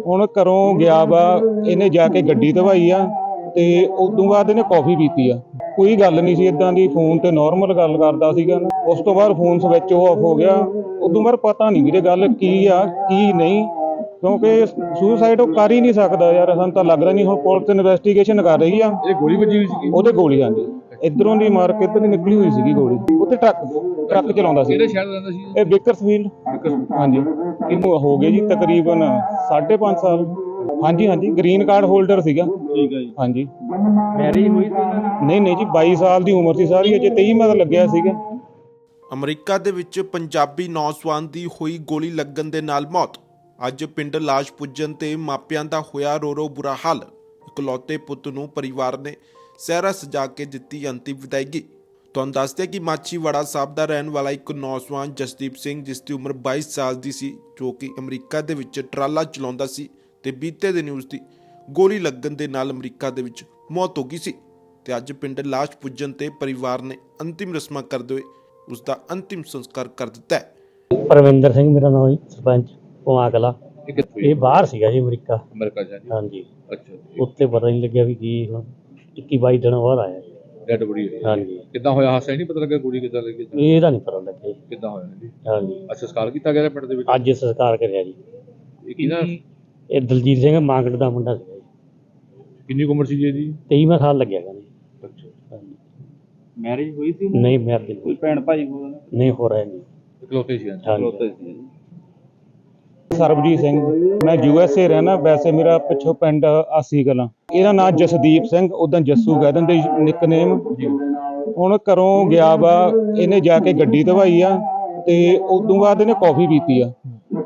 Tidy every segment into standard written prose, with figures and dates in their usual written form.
ਹੁਣ ਘਰੋਂ ਗਿਆ ਵਾ, ਇਹਨੇ ਜਾ ਕੇ ਗੱਡੀ ਧਵਾਈ ਆ ਤੇ ਉਦੋਂ ਬਾਅਦ ਇਹਨੇ ਕੌਫੀ ਪੀਤੀ ਆ। ਕੋਈ ਗੱਲ ਨਹੀਂ ਸੀ ਇਦਾਂ ਦੀ, ਫੋਨ ਤੇ ਨਾਰਮਲ ਗੱਲ ਕਰਦਾ ਸੀਗਾ। ਉਸ ਤੋਂ ਬਾਅਦ ਫੋਨ ਸਵਿਚ ਆਫ ਹੋ ਗਿਆ। ਉਦੋਂ ਬਾਅਦ ਪਤਾ ਨਹੀਂ ਵੀਰੇ ਗੱਲ ਕੀ ਆ ਕੀ ਨਹੀਂ, ਕਿਉਂਕਿ ਸੁਸਾਈਡ ਉਹ ਕਰ ਹੀ ਨਹੀਂ ਸਕਦਾ ਯਾਰ, ਸਾਨੂੰ ਤਾਂ ਲੱਗਦਾ ਨਹੀਂ। ਹੁਣ ਪੁਲਿਸ ਇਨਵੈਸਟੀਗੇਸ਼ਨ ਕਰ ਰਹੀ ਆ। ਇਹ ਗੋਲੀ ਵੱਜੀ ਹੋਈ ਸੀ? ਉਹਦੇ ਗੋਲੀ ਆਂਦੀ ਇਧਰੋਂ ਦੀ ਮਾਰ ਕੇ ਇੱਧਰ ਦੀ ਨਿਕਲੀ ਹੋਈ ਸੀਗੀ ਗੋਲੀ। ਉੱਥੇ ਟਰੱਕ ਚਲਾਉਂਦਾ ਸੀ। ਕਿਹੜੇ ਸ਼ਹਿਰ ਦਾ ਰਹਿੰਦਾ ਸੀ ਇਹ ਬੇਕਰਸਫੀਲਡ। ਹਾਂਜੀ, ਇਹਨੂੰ ਹੋ ਗਏ ਜੀ ਤਕਰੀਬਨ 5.5 ਸਾਲ। ਹਾਂਜੀ, ਗ੍ਰੀਨ ਕਾਰਡ ਹੋਲਡਰ ਸੀਗਾ। ਠੀਕ ਹੈ ਜੀ। ਹਾਂਜੀ, ਮੈਰਿਜ ਹੋਈ ਸੀ? ਨਹੀਂ ਜੀ, 22 ਸਾਲ ਦੀ ਉਮਰ ਸੀ ਸਾਰੀ, ਅਜੇ 23 ਮਹੀਨਾ ਲੱਗਿਆ ਸੀਗਾ। ਅਮਰੀਕਾ ਦੇ ਵਿੱਚ ਪੰਜਾਬੀ ਨੌਜਵਾਨ ਦੀ ਹੋਈ ਗੋਲੀ ਲੱਗਣ ਦੇ ਨਾਲ ਮੌਤ। ਅੱਜ ਪਿੰਡ ਲਾਸ਼ ਪੁੱਜਣ ਤੇ ਮਾਪਿਆਂ ਦਾ ਹੋਇਆ ਰੋ ਬੁਰਾ ਹਾਲ। ਇਕਲੌਤੇ ਪੁੱਤ ਨੂੰ ਪਰਿਵਾਰ ਨੇ ਸਿਹਰਾ ਸਜਾ ਕੇ ਦਿੱਤੀ ਅੰਤਿਮ ਵਿਦਾਇਗੀ। ਤੁਹਾਨੂੰ ਦੱਸਦੇ ਕਿ ਮਾਛੀਵਾੜਾ ਸਾਹਿਬ ਦਾ ਰਹਿਣ ਵਾਲਾ ਇੱਕ ਨੌਜਵਾਨ ਜਸਦੀਪ ਸਿੰਘ, ਜਿਸ ਦੀ ਉਮਰ 22 ਸਾਲ ਦੀ ਸੀ, ਜੋ ਕਿ ਅਮਰੀਕਾ ਦੇ ਵਿੱਚ ਟਰਾਲਾ ਚਲਾਉਂਦਾ ਸੀ ਤੇ ਬੀਤੇ ਦਿਨ ਉਸ ਦੀ ਗੋਲੀ ਲੱਗਣ ਦੇ ਨਾਲ ਅਮਰੀਕਾ ਦੇ ਵਿੱਚ ਮੌਤ ਹੋ ਗਈ ਸੀ। ਤੇ ਅੱਜ ਪਿੰਡ ਲਾਸ਼ ਪੁੱਜਣ ਤੇ ਪਰਿਵਾਰ ਨੇ ਅੰਤਿਮ ਰਸਮਾਂ ਕਰਦੇ ਹੋਏ ਉਸ ਦਾ ਅੰਤਿਮ ਸੰਸਕਾਰ ਕਰ ਦਿੱਤਾ ਹੈ। ਪਰਵਿੰਦਰ ਸਿੰਘ ਮੇਰਾ ਨਾਮ ਜੀ, ਸਰਪੰਚ ਪੁਆ ਕਲਾ। ਇਹ ਕਿੱਥੋਂ? ਇਹ ਬਾਹਰ ਸੀਗਾ ਜੀ, ਅਮਰੀਕਾ ਜਾ ਜੀ। ਹਾਂਜੀ। ਅੱਛਾ ਜੀ। ਉੱਤੇ ਪਤਾ ਨਹੀਂ ਲੱਗਿਆ ਵੀ ਕੀ, ਹੁਣ 21-22 ਦਿਨ ਬਾਅਦ ਆਇਆ ਜੀ। ਡੈਡ ਬੋਡੀ ਹੋਈ? ਹਾਂਜੀ। ਕਿੱਦਾਂ ਹੋਇਆ ਹਾਦਸਾ? ਨਹੀਂ ਪਤਾ ਲੱਗਾ ਗੋਲੀ ਕਿੱਦਾਂ ਲੱਗੀ? ਇਹਦਾ ਨਹੀਂ ਪਤਾ ਲੱਗਿਆ ਜੀ ਕਿੱਦਾਂ ਹੋਇਆ ਜੀ? ਹਾਂਜੀ। ਅੱਛਾ, ਸੰਸਕਾਰ ਕੀਤਾ ਗਿਆ ਪਿੰਡ ਦੇ ਵਿੱਚ? ਅੱਜ ਸੰਸਕਾਰ ਕਰਿਆ ਜੀ। ਇਹ ਕਿਹਦਾ? ਇਹ ਦਲਜੀਤ ਸਿੰਘ ਮਾਂਗੜ ਦਾ ਮੁੰਡਾ ਸੀਗਾ ਜੀ। ਕਿੰਨੀ ਕੁ ਉਮਰ ਸੀ ਜੀ ਇਹਦੀ? 23ਵਾਂ ਸਾਲ ਲੱਗਿਆ ਗਾ ਜੀ। ਅੱਛਾ। ਹਾਂਜੀ। ਮੈਰਿਜ ਹੋਈ ਸੀ? ਨਹੀਂ ਮੈਰਿਜ ਕੋਈ ਭੈਣ ਭਾਈ ਹੋਣਾ? ਨਹੀਂ ਹੋ ਰਿਹਾ ਜੀ। ਇਕਲੌਤੇ ਸੀ? ਇਕਲੌਤੇ ਸੀ। ਸਰਬਜੀਤ ਸਿੰਘ, ਮੈਂ USA ਰਹਿਣਾ। ਵੈਸੇ ਮੇਰਾ ਪਿੱਛੋਂ ਪਿੰਡ ਆਸੀ ਕਲਾਂ। ਇਹਦਾ ਨਾਮ ਜਸਦੀਪ ਸਿੰਘ, ਉਦਾਂ ਜੱਸੂ ਕਹਿ ਦਿੰਦੇ ਨਿਕਨੇਮ। ਹੁਣ ਘਰੋਂ ਗਿਆ ਵਾ, ਇਹਨੇ ਜਾ ਕੇ ਗੱਡੀ ਧਵਾਈ ਆ ਤੇ ਉਦੋਂ ਬਾਅਦ ਇਹਨੇ ਕੌਫੀ ਪੀਤੀ ਆ।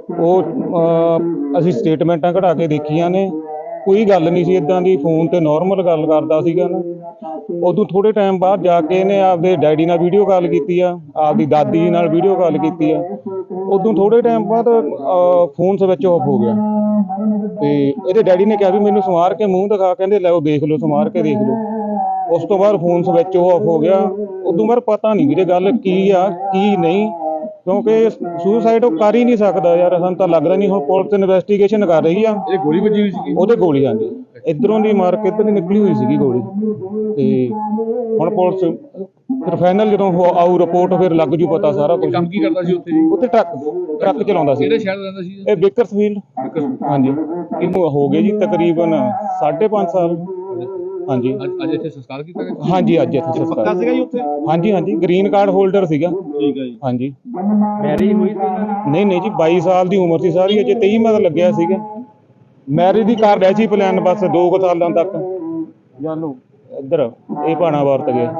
ਉਹ ਅਸੀਂ ਸਟੇਟਮੈਂਟਾਂ ਕਢਾ ਕੇ ਦੇਖੀਆਂ ਨੇ, ਕੋਈ ਗੱਲ ਨਹੀਂ ਸੀ ਇਦਾਂ ਦੀ, ਫੋਨ ਤੇ ਨਾਰਮਲ ਗੱਲ ਕਰਦਾ ਸੀਗਾ ਨਾ। ਉਦੋਂ ਥੋੜੇ ਟਾਈਮ ਬਾਅਦ ਜਾ ਕੇ ਇਹਨੇ ਆਪਦੇ ਡੈਡੀ ਨਾਲ ਵੀਡੀਓ ਕਾਲ ਕੀਤੀ ਆ, ਆਪਦੀ ਦਾਦੀ ਨਾਲ ਵੀਡੀਓ ਕਾਲ ਕੀਤੀ ਆ। ਉਦੋਂ ਥੋੜੇ ਟਾਈਮ ਬਾਅਦ ਫੋਨ ਸਵਿਚ ਆਫ ਹੋ ਗਿਆ ਤੇ ਇਹਦੇ ਡੈਡੀ ਨੇ ਕਿਹਾ ਵੀ ਮੈਨੂੰ ਸਮਾਰ ਕੇ ਮੂੰਹ ਦਿਖਾ, ਕਹਿੰਦੇ ਲੈ ਉਹ ਦੇਖ ਲਓ, ਸਮਾਰ ਕੇ ਦੇਖ ਲਓ। ਉਸ ਤੋਂ ਬਾਅਦ ਫੋਨ ਸਵਿਚ ਆਫ ਹੋ ਗਿਆ। ਉਦੋਂ ਬਾਅਦ ਪਤਾ ਨਹੀਂ ਵੀਰੇ ਗੱਲ ਕੀ ਆ ਕੀ ਨਹੀਂ, ਕਿਉਂਕਿ ਸੁਸਾਈਡ ਉਹ ਕਰ ਹੀ ਨਹੀਂ ਸਕਦਾ ਯਾਰ, ਸਾਨੂੰ ਤਾਂ ਲੱਗਦਾ ਨਹੀਂ। ਹੁਣ ਪੁਲਿਸ ਇਨਵੈਸਟੀਗੇਸ਼ਨ ਕਰ ਰਹੀ ਆ। ਇਹ ਗੋਲੀ ਵੱਜੀ ਹੋਈ ਸੀ? ਉਹਦੇ ਗੋਲੀ ਆਂਦੀ ਇਧਰੋਂ ਦੀ ਮਾਰ ਕੇ ਇੱਧਰ ਦੀ ਨਿਕਲੀ ਹੋਈ ਸੀਗੀ ਗੋਲੀ। ਤੇ ਹੁਣ ਪੁਲਿਸ ਫਿਰ ਫਾਈਨਲ ਜਦੋਂ ਆਊ ਰਿਪੋਰਟ ਫਿਰ ਲੱਗ ਜੂ ਪਤਾ ਸਾਰਾ ਕੁਝ। ਕੰਮ ਕੀ ਕਰਦਾ ਸੀ ਉੱਥੇ ਜੀ? ਉੱਥੇ ਟਰੱਕ ਚਲਾਉਂਦਾ ਸੀ। ਕਿਹੜੇ ਸ਼ਹਿਰ ਦਾ ਰਹਿੰਦਾ ਸੀ? ਇਹ ਬੇਕਰਸਫੀਲਡ। ਹਾਂਜੀ, ਇਹਨੂੰ ਹੋ ਗਏ ਜੀ ਤਕਰੀਬਨ 5.5 ਸਾਲ। ਹਾਂਜੀ। ਅੱਜ ਇੱਥੇ ਸੰਸਕਾਰ ਕੀਤਾ ਗਿਆ? ਹਾਂਜੀ, ਅੱਜ ਇੱਥੇ ਸੰਸਕਾਰ। ਪੱਕਾ ਸੀਗਾ ਜੀ ਉੱਥੇ? ਹਾਂਜੀ, ਗ੍ਰੀਨ ਕਾਰਡ ਹੋਲਡਰ ਸੀਗਾ। ਠੀਕ ਹੈ ਜੀ। ਹਾਂਜੀ। ਮੈਰਿਜ ਹੋਈ ਸੀ? ਨਹੀਂ ਜੀ, 22 ਸਾਲ ਦੀ ਉਮਰ ਸੀ ਸਾਰੀ, ਅਜੇ 23 ਮਹੀਨਾ ਲੱਗਿਆ ਸੀਗਾ। ਮੈਰਿਜ ਦੀ ਕਰ ਰਿਹਾ ਸੀ ਪਲਾਨ, ਬਸ 2 ਸਾਲਾਂ ਤੱਕ। ਜਾਨੂ ਇੱਧਰ ਇਹ ਭਾਣਾ ਵਰਤ ਗਏ।